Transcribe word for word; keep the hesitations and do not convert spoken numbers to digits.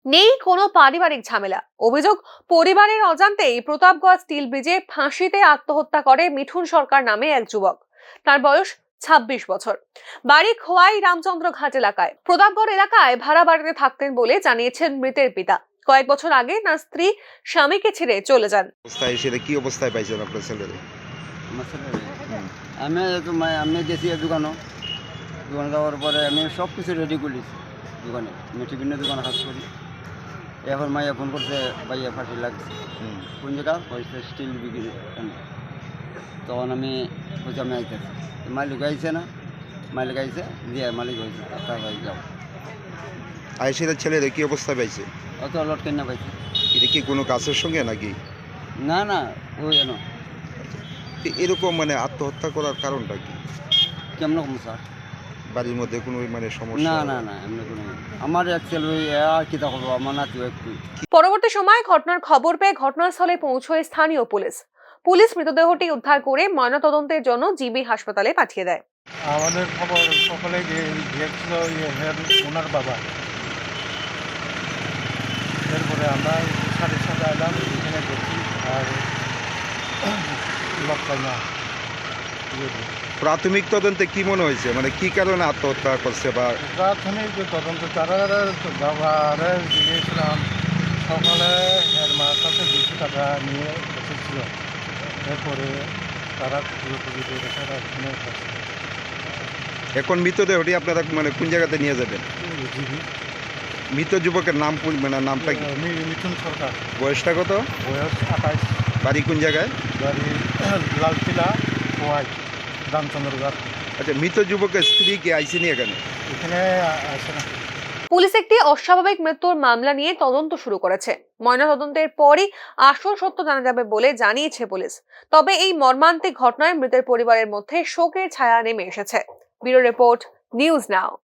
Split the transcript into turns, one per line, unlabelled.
নেই কোনো পারিবারিক ঝামেলা। অভিযোগ, পরিবারের অজান্তেই প্রতাপগড় স্টিল ব্রিজে ফাঁসিতে আত্মহত্যা করে মিঠুন সরকার নামে এক যুবক। তার বয়স ছাব্বিশ বছর। বাড়ি খোয়াই রামচন্দ্র ঘাট এলাকায়। প্রতাপগড় এলাকায় ভাড়া বাড়িতে থাকতেন বলে জানিয়েছেন মৃতের পিতা। কয়েক বছর আগে তার স্ত্রী স্বামীকে ছেড়ে চলে যান।
অবস্থায় সেটা কি অবস্থায় পাইছেন আপনার ছেলেরে?
আমার ছেলেরে আমি তো মা- আমি গেছি দোকানও দোকানে যাওয়ার পরে আমি সব কিছু রেডি করেছি দোকানে। আমি টিফিনের দোকানে কাজ করি। এখন মাইয়া ফোন করছে, ভাইয়া ফাঁসি লাগছে।
হুম।
কোন জায়গা হয়েছে স্টিল বিক্রি। তখন আমি বলছি আমি আইতেছি, মালিক আইছে না, মালিক আইছে দিয়ে মালিক হয়েছে তাড়াতাড়ি যাও।
আর সেটা ছেলেরে কি অবস্থায় পাইছে?
অত লট কেনা পাইছে।
এটা কি কোনো কাজের সঙ্গে নাকি?
না না ওই যেন
তো এরকম মানে আত্মহত্যা করার কারণটা কি?
কেমন কম স্যার?
বাড়ির মধ্যে কোনো মানে সমস্যা?
না না না এমনি কোনো আমার অ্যাকচুয়ালি ওই আর কি দেখো আমার নাতি একটু।
পরবর্তী সময় ঘটনার খবর পেয়ে ঘটনাস্থলে পৌঁছয় স্থানীয় পুলিশ। পুলিশ মৃতদেহটি উদ্ধার করে ময়নাতদন্তের জন্য জিবি হাসপাতালে পাঠিয়ে দেয়।
আমাদের খবর সকালে গিয়েছিল ওনার বাবা। এরপরে আমরা সাড়ে সাথে এলাম, এখানে দেখি আর লোক পাই না।
প্রাথমিক তদন্তে কি মনে হয়েছে, মানে কি কারণে আত্মহত্যা করছে? বা
প্রাথমিক যে তদন্ত তারা বাবারে জিজ্ঞেছিলাম, সকালে এর মার কাছে দুশো টাকা নিয়ে এসেছিল। এরপরে তারা খুঁজে খুঁজে তারা এখানে
এখন মৃতদেহটি আপনারা মানে কোন জায়গাতে নিয়ে যাবেন?
জিবি
মৃত যুবকের নাম কোন, মানে নামটা কি?
মিঠুন সরকার,
বয়সটা কত?
বয়স আঠাইশ,
বাড়ি কোন জায়গায়?
বাড়ি লালকিলা খোয়াই রামচন্দ্রগড়।
আচ্ছা, মৃত যুবকের স্ত্রী কি আইসিনি এখানে?
এখানে আসে না।
পুলিশ একটি অস্বাভাবিক মৃত্যুর মামলা নিয়ে তদন্ত শুরু করেছে। ময়নাতদন্তের পরই আসল সত্য জানা যাবে বলে জানিয়েছে পুলিশ। তবে এই মর্মান্তিক ঘটনায় মৃতের পরিবারের মধ্যে শোকের ছায়া নেমে এসেছে। ব্যুরো রিপোর্ট, নিউজ নাও।